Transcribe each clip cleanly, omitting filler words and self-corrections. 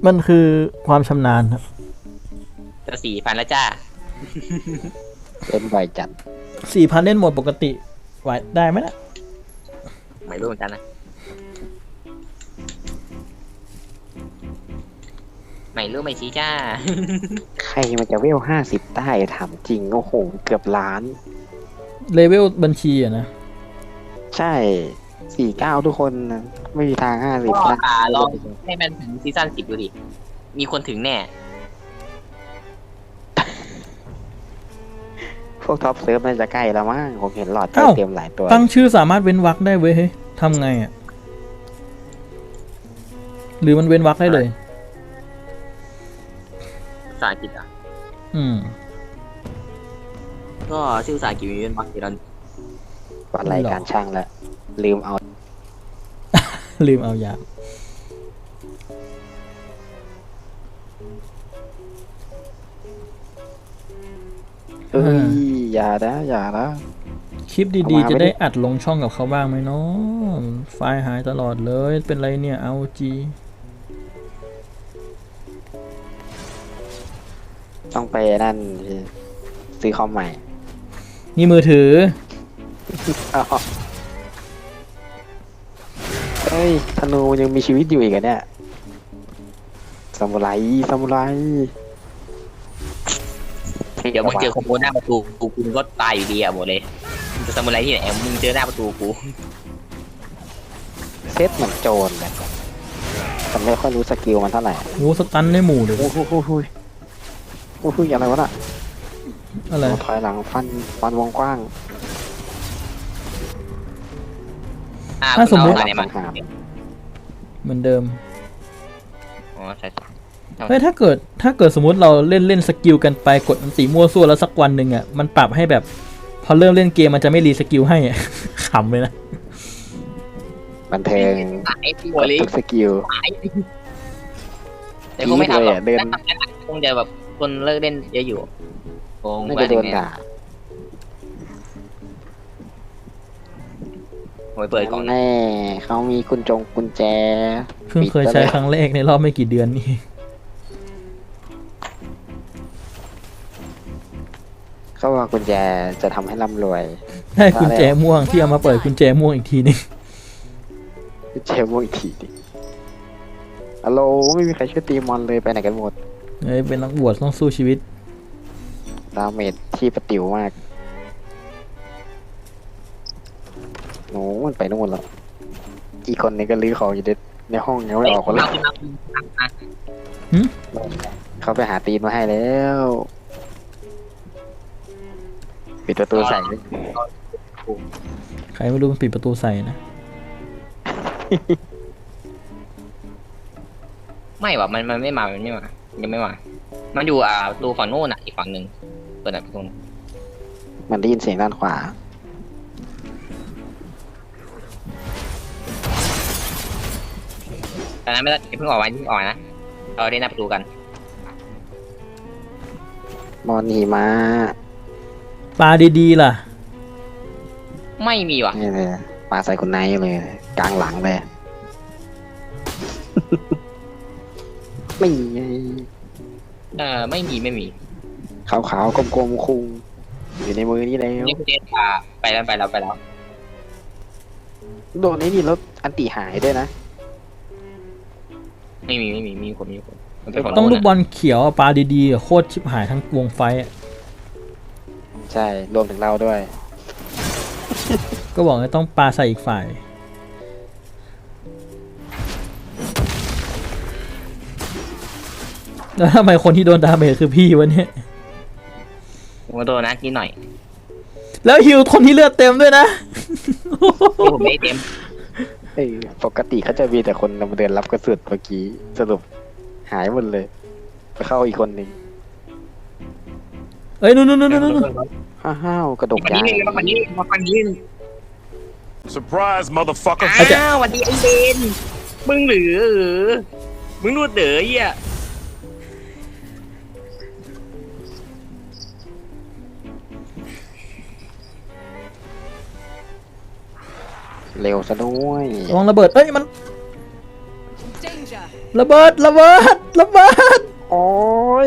มันคือความชำนาญครับจะ4,000แล้วจ้าเป็นบ่อยจัด 4,000เล่นโหมดปกติไหวได้ไหมนะไม่รู้เหมือนกันนะไม่รู้ไม่ชี้จ้าใครมันจะเวล50ได้ถามจริงโอ้โหเกือบล้านเลเวลบัญชีอะนะใช่49ทุกคนนะไม่มีทาง50 ก็ได้ลองให้มันถึงซีซั่น10ดูดิ มีคนถึงแน่พวกท็อปเซิร์ฟน่าจะใกล้แล้วมั้งผมเห็นหลอดใกล้เต็มหลายตัวตั้งชื่อสามารถเว้นวรรคได้เว้ยเฮ้ยทำไงอ่ะหรือมันเว้นวรรคได้เลยภาษาอังกฤษอ่ะ ก็ชื่อภาษาอังกฤษมีเป็นบักเดรอนวันรายการช่างแล้วลืมเอาลืมเอายาเอ้ยอย่านะอย่านะคลิปดีๆจะได้อัดลงช่องกับเขาบ้างไหมเนาะไฟล์หายตลอดเลยเป็นไรเนี่ยเอาจีต้องไปนั่นซื้อคอมใหม่นี่มือถือเฮ้ยธนูมันยังมีชีวิตอยู่อีกอะเนี่ยซามูไรซามูไรเดี๋ยวมึงเจอคอมโบหน้าประตูกูก็ตายอยู่ดีอ่ะหมดเลยมึงจะทำอะไรที่ไหนมึงเจอหน้าประตูกูเซตเหมือนโจรเลยแต่ไม่ค่อยรู้สกิลมันเท่าไหร่โอ้สตันได้หมู่เลยโอ้โหโอ้โหโอ้โหอะไรวะน่ะอะไรถอยหลังฟันวงกว้างถ้าสมมุติอะไรมาเหมือนเดิมอ๋อใช่เฮ้ยถ้าเกิดสมมติเราเล่นสกิลกันไปกดอันตีมั่วซั่วแล้วสักวันหนึ่งอ่ะมันปรับให้แบบพอเริ่มเล่นเกมมันจะไม่รีสกิลให้อ่ะ ขำเลยนะบันเทิงไอ้ตัวเล็กทุกสกิลแต่คงไม่ทำหรอกเดินถ้าทำงั้นคงจะแบบคนเลิกเล่นเยอะอยู่คงน่าจะโดนด่าโอ้ยเปิดกล่องแน่เขามีกุญแจเพิ่งเคยใช้ครั้งแรกในรอบไม่กี่เดือนนี่เขาว่ากุญแจจะทำให้ร่ำรวยได้กุญแจม่วงที่เอามาเปิดกุญแจม่วงอีกทีนึงกุญแจม่วงอีกทีดิฮัลโหลไม่มีใครช่วยตีมอนเลยไปไหนกันหมดเฮ้ยเป็นนักบวชต้องสู้ชีวิตดาเมจที่ประติ๋วมากโน้มันไปนู่นแล้วอีกคนนึงก็ลื้อของอยู่ในห้องยังไม่ออกคนละเขาไปหาตีนมาให้แล้วปิดประตูใส่เลยใครไม่รู้มันปิดประตูใส่นะไม่ว่ะมันไม่มายังไม่มามันอยู่ประตูฝั่งโน้นอ่ะอีกฝั่งหนึ่งเปิดประตูมันได้ยินเสียงด้านขวาแต่นั้นไม่ต้องเพิ่งออกนะเราได้หน้าประตูกันมอนหิมะปลาดีๆล่ะไม่มีว่ะนี่เลยปาใส่คุณไนท์เลยกลางหลังเลย ไม่มีไงไม่มีขาวๆกลมๆคุงอยู่ในมือนี่แล้วนี่คุณเดชไปแล้วโดนไอ้นี่แล้วอันติหายด้วยนะไม่มีคนมันเป็นฝั่งต้องโน้นลูกบอลเขียวอะปลาดีๆอะโคตรชิบหายทั้งวงไฟอะใช่รวมถึงเราด้วยก็บอกว่าต้องปลาใส่อีกฝ่าย แล้วทำไมคนที่โดนดาเมจคือพี่วะเนี่ยผมโดนนะนิดหน่อยแล้วฮิวคนที่เลือดเต็มด้วยนะผมไม่เต็มเอ้ยปกติเขาจะมีแต่คนนำเดินรับกระสุนเมื่อกี้สรุปหายหมดเลยไปเข้าอีกคนหนึ่งเอ้ยนู่นห้าวกระดกวันยานี้งวันนี้ Surprise, motherfucker. วันนี้ไอ้เบนมึงหรือมึงนวดเด๋ออ่ะเร็วซะด้วยระวังระเบิด เอ้ยมัน Danger. ระเบิดระเบิดระเบิดโอ้ย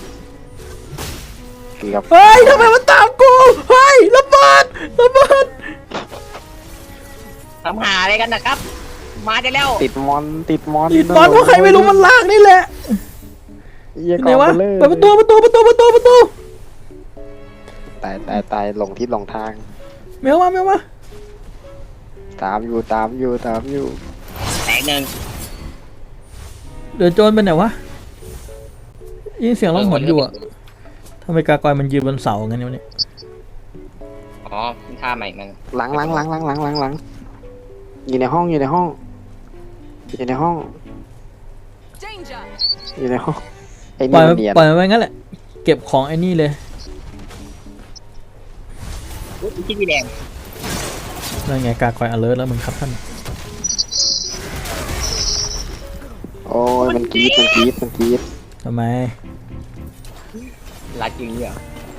เกือบเฮ้ยทำไมมันตามกูเฮ้ยระเบิดระเบิดทำหาอะไรกันนะครับ มาได้แล้วติดมอนติดมอนติดบอลว่าใครไม่รู้มันลากนี่แหละเยี่ยไหกนองวะไปเลยเปิดประตูประตูประตูประตูประตูตายลงที่ลงทางแมวมาแมวมาตามอยู่แตกหนึ่งเดี๋ยวโจรไปไหนวะยินเสียงร้องหอนอยู่อะทำไมกากอยมันยืนบนเสางั้นเนี่ยอ๋อท่าใหม่มันหลังอยู่ในห้องอยู่ในห้องไอ้ปล่นี่อยมันเนียนปล่อยมันไว้งั้นแหละเก็บของไอ้นี่เลยที่พี่แดงนั่นไงกากอย alert แล้วมึงครับท่านโอ้ยมันกรีดทำไมรัดจริงเหรอก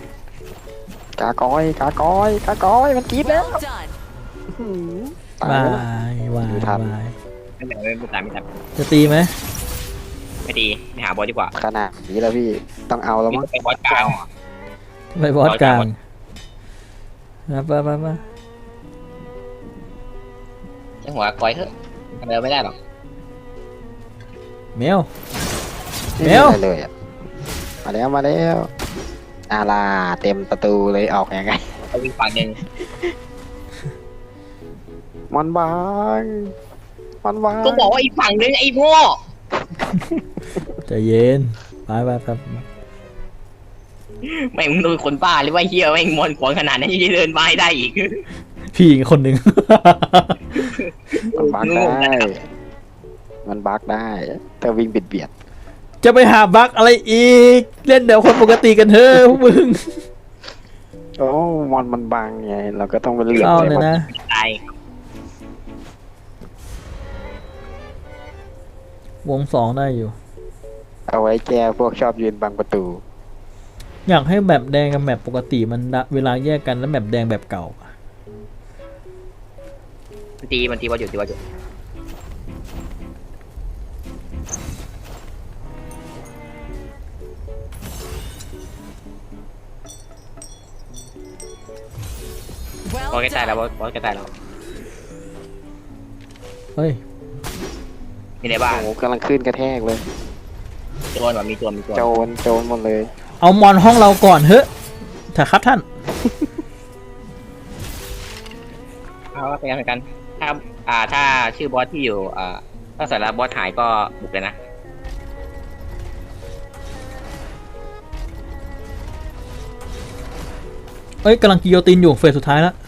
ากอยมันกรีดแล้ว Well done. ตายวาแล้วยวายอยู่ทันวายไม่ตามจะตีไหมไม่ดีไม่หาบอสดีกว่าขนาดนี้แล้วพี่ต้องเอาแล้วมั้งไปบอสกลางไปบอสกลางบอสนะไปช่างหัวก้อยเถอะทำอะไรไม่ได้หรอกแมวไม่แมมีวอะไรเลยอะมาแล้วอาลาเต็มประตูเลยออกยังไงเอาอีกฝั่งหนึ่งมันบางก็บอกว่าอีกฝั่งหนึ่งไอ้โง่ใจเย็นไปแม่งมึงโดนคนบ้าหรือว่าเฮียแม่งมอนขวางขนาดนั้นยังจะเดินมาให้ได้อีกพี่อีกคนหนึ่งมันบักได้มันบักได้แต่วิ่งเบียดจะไปหาบั๊กอะไรอีก เล่นเดี๋ยวคนปกติกันเถอะพวกมึงโอ้มอนมันบังไงเราก็ต้องไปเหลี่ยมเอาเลยเลยนะตายวงสองได้อยู่เอาไว้แก้พวกชอบยืนบังประตูอยากให้แบบแดงกับแบบปกติมันเวลาแยกกันแล้วแบบแดงแบบเก่ามันตีบอสอยู่ บอส Well ใกล้ตายแล้ว done. บอสใกล้ตายแล้วเฮ้ยมีในบ้านโอ้กำลังขึ้นกระแทกเลยโจรว่ะมีโจรโจรหมดเลยเอามอนห้องเราก่อนเถอะถ้าครับท่านเอาเป็นกัน ถ้าชื่อบอสที่อยู่ถ้าสาระบอสหายก็บุกเลยนะเอ้ยกำลังกิโยตินอยู่เฟสสุดท้ายแล้ว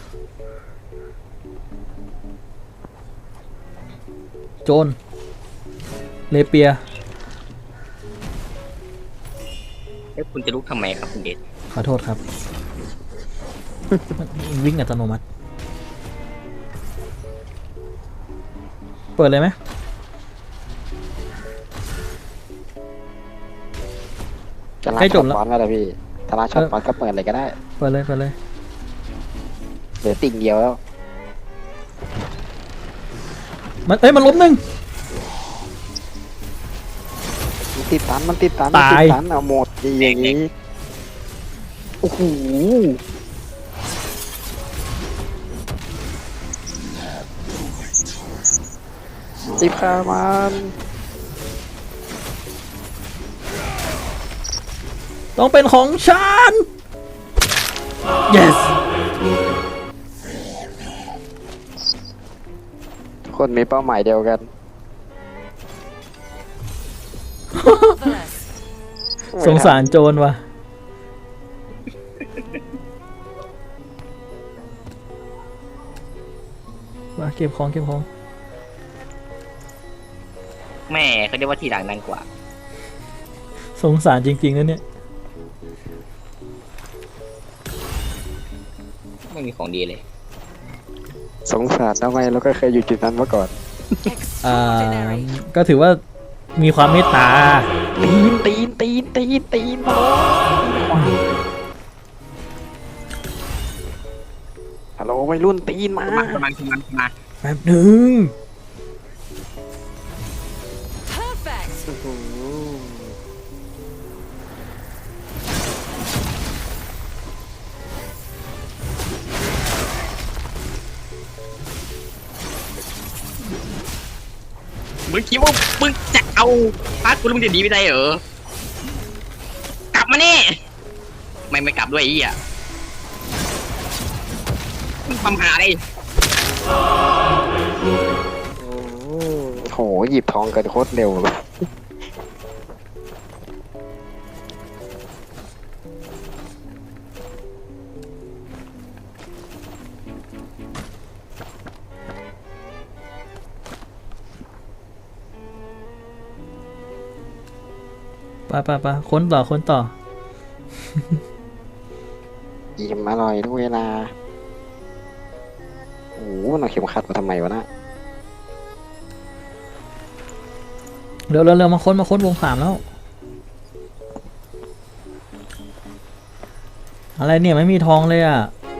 โจนเลเปียเอ้ยคุณจะลุกทำไมครับคุณเดชขอโทษครับ วิ่งอัตโนมัติ เปิดเลยไหมจะลาใกล้จช็อบ ตแล้วบอลแล้วล่ะพี่ถ้าลาช็อตบอลก็เปิดอะไรก็ได้เปิดเลยเหลือติ่งเดียวแล้วมันล้มหนึ่งมันติดตันเอาหมดอย่างนี้โอ้โหจิบคามันต้องเป็นของฉัน yes ทุกคนมีเป้าหมายเดียวกัน Marvelous. สงสารโจรว่ะ มาเก็บของแม่เขาเรียกว่าทีหลังดังกว่าสงสารจริงๆนะเนี่ยไม่มีของดีเลยสงสารทำไมเราก็เคยอยู่จุดนั้นมาก่อน Extraordinary. ก็ถือว่ามีความเมตตาตีนมาฮัลโหลวัยรุ่นตีนมาประมาณแป๊บหนึ่ง Perfect. มึงคิดว่ามึงจะเอาพาร์ทกูแล้วมึงจะหนีไปได้เหรอกลับมานี่ไม่กลับด้วยไอ้เหี้ยมึงทำหาอะไรโหหยิบทองกันโคตรเร็วเลยไปค้นต่ออิ่มอร่อยด้วยนะโอ้โหเอาเข็มขัดมาทำไมวะนะเร็วมาค้นวง 3แล้ว อะไรเนี่ยไม่มีทองเลยอ่ะ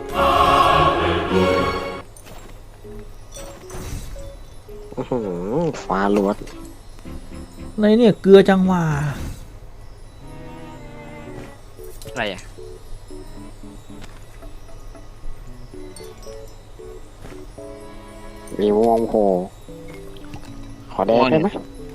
อื้อหือฟ้าล้วนอะไรเนี่ยเกลือจังหวะอะไรอ่ะมีวงโผล่ขอแดงได้ไหม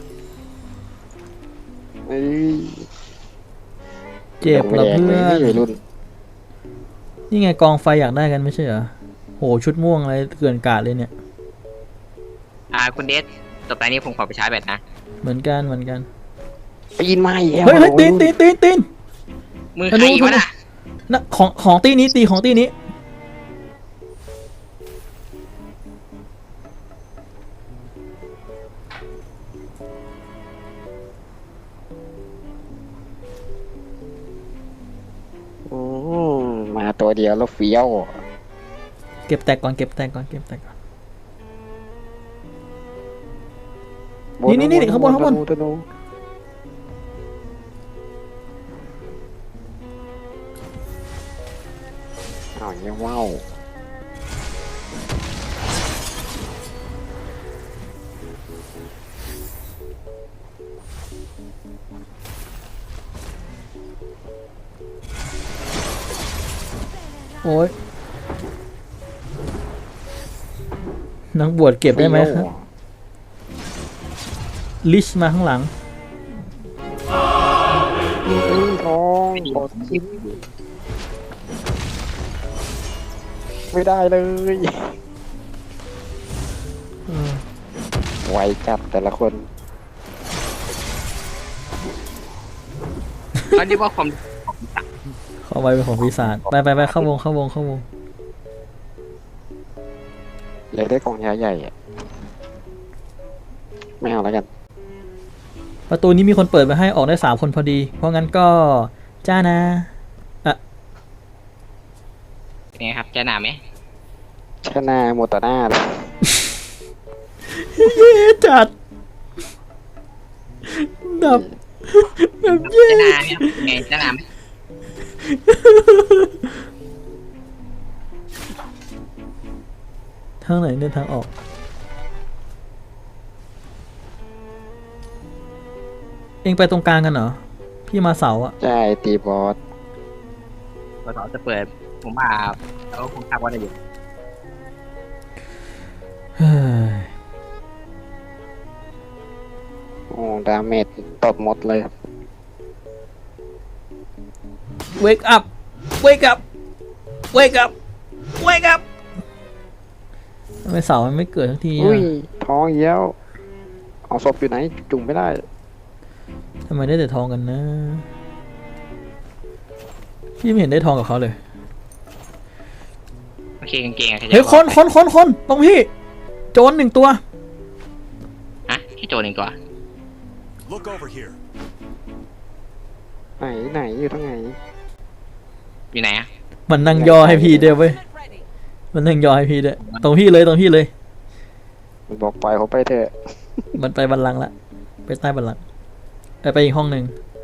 เอ้ยเจ็บเหรอเพื่อนวัยรุ่นนี่ไงกองไฟอยากได้กันไม่ใช่เหรอโหชุดม่วงอะไรเกลื่อนกาดเลยเนี่ยคุณเดชต่อไปนี้ผมขอไปชาร์จแบตนะเหมือนกันปีนมาอีกแล้วเฮ้ยตีนมึงใครวะน่ะนะของตีนี้ตีของตีนี้อืมมาตัวเดียวแล้วเฟี้ยวเก็บแตกก่อน นี่ข้างบนธนูอ้าวเงี้ยว้าวโอ้ยนักบวชเก็บได้ไหมครับลิชมาข้างหลังทองกดชิปไม่ได้เลย ไวจัดแต่ละคนเขาเรียกว่าความเข้าไปเป็นของปีศาจไปเข้าวงเลยได้กองยาใหญ่อะไม่เอาแล้วกันประตูนี้มีคนเปิดไปให้ออกได้3 คนพอดี เพราะงั้นก็จ้านะเป็นไงครับจะหนาไหมชนะโมตาน่าเลยเย่จัดแบบเย่จะหนาไหมไงจะหนาไหมทางไหนเนี่ยทางออกเองไปตรงกลางกันเหรอพี่มาเสาอะใช่ตีบอสพอสอจะเปิดผมว่าแล้วคงทราบว่าได้อยู่เฮ้ยโอ้ดาเมจตดหมดเลย wake up ทำไมเสามันไม่เกิดทันทีอุ้ยอะท้องเยี่ยวเอาศพอยู่ไหน จุ่มไม่ได้ทำไมได้แต่ทองกันนะพี่ไม่เห็นได้ทองกับเขาเลยโอเคกางเกงอะเฮ้ยคนตรงพี่โจร1 ตัวฮะให้โจรหนึ่งตัว Look over here. ไหนอยู่ทั้งไหนอยู่ไหนอะมันนั่งย่อให้พี่เดียวเว้ย Unit ready. มันนั่งย่อให้พี่ด้วยตรงพี่เลยมันบอกปล่อยเขาไปเถอะมันไปบัลลังก์ละไปใต้บัลลังก์ไปอีกห้องหนึ่ง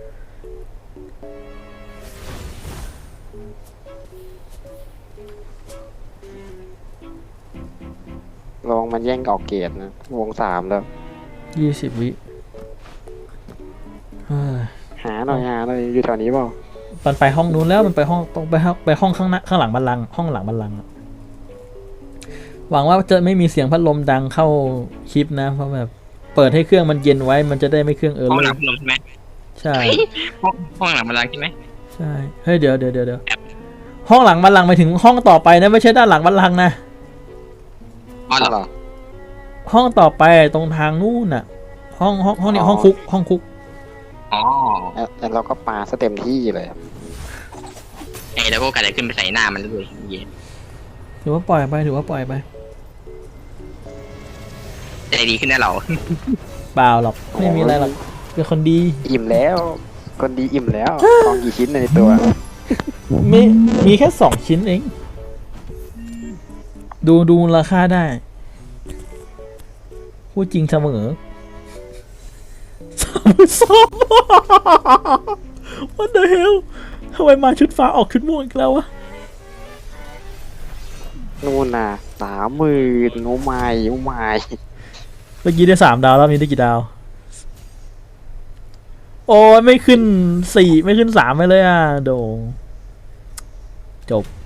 ลองมันแย่งออกเกตนะ วง 3 แล้ว 20 วิเฮ้ยหาหน่อยอยู่แถวนี้เปล่ามันไปห้องนู้นแล้วมันไปห้องต้องไปห้องข้างหน้าข้างหลังบัลลังก์ห้องหลังบัลลังก์อะหวังว่าจะไม่มีเสียงพัดลมดังเข้าคลิปนะเพราะแบบเปิดให้เครื่องมันเย็นไว้มันจะได้ไม่เครื่องห้องเลหลัยงพัดลมใช่ไหมใช่ห้องหลังบัลลังก์ใช่ไหมใช่เฮ้ยเดี๋ยวห้องหลังบัลลังก์หมายถึงห้องต่อไปนะไม่ใช่ด้านหลังบัลลังก์นะอ๋อเหรเหรออห้องต่อไปตรงทางนู่นน่ะ ห้องนี้อ๋อห้องคุกห้องคุกอ๋อแล้วเราก็ปาซะเต็มที่เลยครับไอ้แล้วก็กระเดขึ้นไปใส่หน้ามันด้วยเหี้ยถือว่าปล่อยไปถือว่าปล่อยไปใจดีขึ้นแน่เราเปล่าหรอกไม่มีอะไรหรอกเป็นคนดีอิ่มแล้ว คนดีอิ่มแล้วทองกี่ชิ้นในตัวมีแค่2 ชิ้นเอง ดูมูลค่าได้พูดจริงเสมอ32 What the hell ทำไมมาชุดฟ้าออกชุดม่วงอีกแล้ววะนู่นน่ะ30,000โอ้ไม่โอ้ไม่เมื่อกี้ได้3 ดาวแล้วมีได้กี่ดาว โอ้ยไม่ขึ้น 4 ไม่ขึ้น 3ไปเลยอ่ะโดจบ